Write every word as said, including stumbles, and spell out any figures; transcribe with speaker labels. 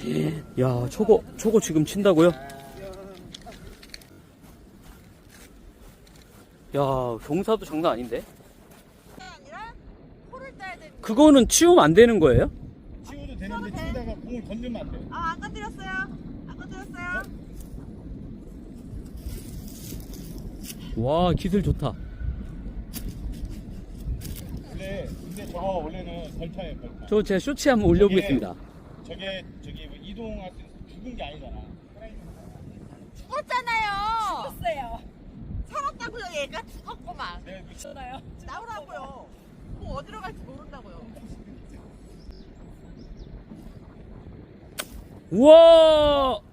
Speaker 1: 야, 초고, 초고 지금 친다고요? 야, 경사도 장난 아닌데?
Speaker 2: 아니라 코를 따야 되는.
Speaker 1: 그거는 치우면 안 되는 거예요?
Speaker 3: 치워도 되는데 치우다가 공을 건들면 안 돼.
Speaker 2: 아, 안 건드렸어요. 안 건드렸어요.
Speaker 1: 와, 기술 좋다.
Speaker 3: 근데 근데 저거 원래는 벌타예요, 벌타.
Speaker 1: 저 제가 쇼츠 한번 올려보겠습니다.
Speaker 3: 저게 저기 뭐 이동할 때 죽은 게 아니잖아.
Speaker 2: 죽었잖아요. 죽었어요. 살았다고요. 얘가 죽었구만.
Speaker 3: 내가 그
Speaker 2: 나오라고요. 뭐 어디로 갈지 모른다고요.
Speaker 1: 우와!